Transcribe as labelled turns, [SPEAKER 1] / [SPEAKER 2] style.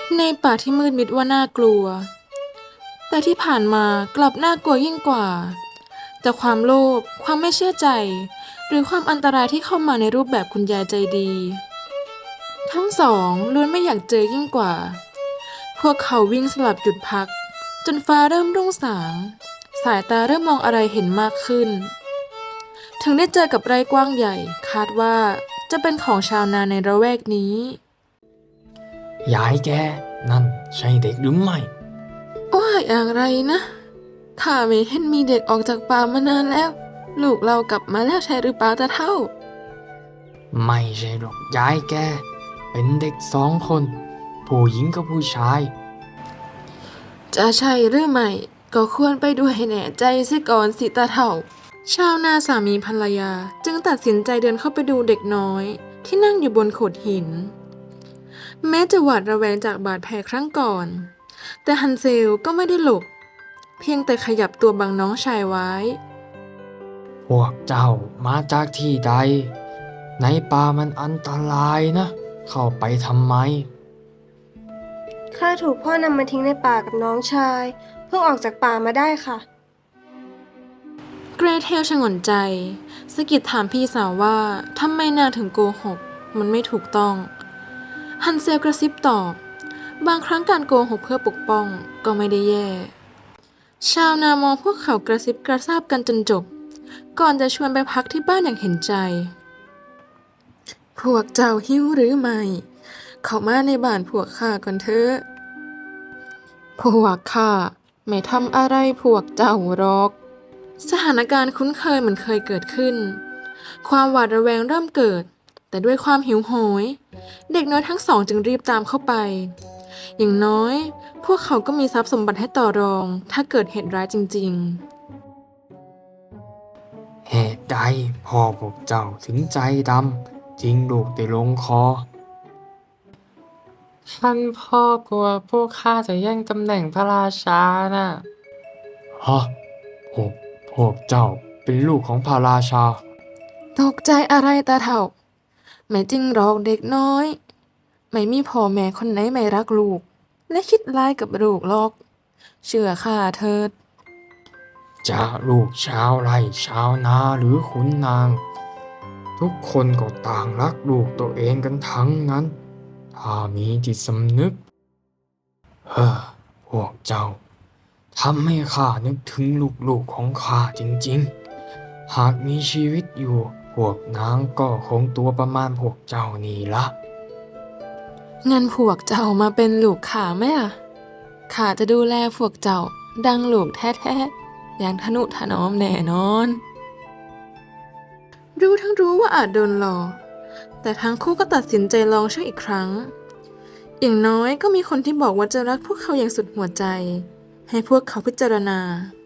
[SPEAKER 1] ในป่าที่มืดมิดว่าน่ากลัวแต่ที่ผ่านมากลับน่ากลัวยิ่งกว่าจากความโลภความไม่เชื่อใจหรือความอันตรายที่เข้ามาในรูปแบบคุณยายใจดีทั้งสองล้วนไม่อยากเจอยิ่งกว่าพวกเขาวิ่งสลับหยุดพักจนฟ้าเริ่มรุ่งสางสายตาเริ่มมองอะไรเห็นมากขึ้นถึงได้เจอกับไร่กว้างใหญ่คาดว่าจะเป็นของชาวนาในละแวกนี้
[SPEAKER 2] ยายแกนั่นใช่เด็กหรือไม่
[SPEAKER 1] ว่าอย่างไรนะข้าไม่เห็นมีเด็กออกจากป่ามานานแล้วลูกเรากลับมาแล้วใช่หรือเปล่าตาเท่า
[SPEAKER 2] ไม่ใช่หรอกยายแกเป็นเด็กสองคนผู้หญิงกับผู้ชาย
[SPEAKER 1] จะใช่หรือไม่ก็ควรไปดูให้แน่ใจเสียก่อนสิตาเท่าชาวนาสามีภรรยาจึงตัดสินใจเดินเข้าไปดูเด็กน้อยที่นั่งอยู่บนโขดหินแม้จะหวาดระแวงจากบาดแผลครั้งก่อนแต่ฮันเซลก็ไม่ได้หลบเพียงแต่ขยับตัวบังน้องชายไว้
[SPEAKER 2] พวกเจ้ามาจากที่ใดในป่ามันอันตรายนะเข้าไปทำไม
[SPEAKER 3] ข้าถูกพ่อนำมาทิ้งในป่ากับน้องชายเพิ่งออกจากป่ามาได้ค่ะ
[SPEAKER 1] เกรเทลชงนใจสะกิดถามพี่สาวว่าทำไมนางถึงโกหกมันไม่ถูกต้องฮันเซลกระซิบตอบบางครั้งการโกหกเพื่อปกป้องก็ไม่ได้แย่ชาวนามองพวกเขากระซิบกระซาบกันจนจบก่อนจะชวนไปพักที่บ้านอย่างเห็นใจพวกเจ้าหิวหรือไม่เข้ามาในบ้านพวกข้าก่อนเถอะพวกข้าไม่ทำอะไรพวกเจ้าหรอกสถานการณ์คุ้นเคยเหมือนเคยเกิดขึ้นความหวาดระแวงเริ่มเกิดแต่ด้วยความหิวโหยเด็กน้อยทั้งสองจึงรีบตามเข้าไปอย่างน้อยพวกเขาก็มีทรัพย์สมบัติให้ต่อรองถ้าเกิดเหตุร้ายจริง
[SPEAKER 2] เหตุใดพ่อพวกเจ้าถึงใจดำทิ้งลูกได้ลงคอท่านพ่อกลัวพวกข้าจะแย่งตำแหน่งพระราชาน่ะฮะพวกพวกเจ้าเป็นลูกของพระราชา
[SPEAKER 1] ๆตกใจอะไรตาเถ่าไม่จริงหรอกเด็กน้อยไม่มีพ่อแม่คนไหนไม่รักลูกและคิดร้ายกับลูกหรอกเชื่อข้าเถิด
[SPEAKER 2] จะลูกชาวไร่ชาวนาหรือขุนนาง ทุกคนก็ต่างรักลูกตัวเองกันทั้งนั้น ถ้ามีจิตสำนึกพวกเจ้าทำให้ข้านึกถึงลูกๆของข้าจริงๆ หากมีชีวิตอยู่ พวกนางก็คงตัวประมาณพวกเจ้านี่ละ
[SPEAKER 1] งั้นพวกเจ้ามาเป็นลูกข้าไหมล่ะข้าจะดูแลพวกเจ้าดังลูกแท้ๆอย่างทนุถนอมแน่นอนรู้ทั้งรู้ว่าอาจโดนหลอกแต่ทั้งคู่ก็ตัดสินใจลองช่วยอีกครั้งอย่างน้อยก็มีคนที่บอกว่าจะรักพวกเขาอย่างสุดหัวใจให้พวกเขาพิจารณา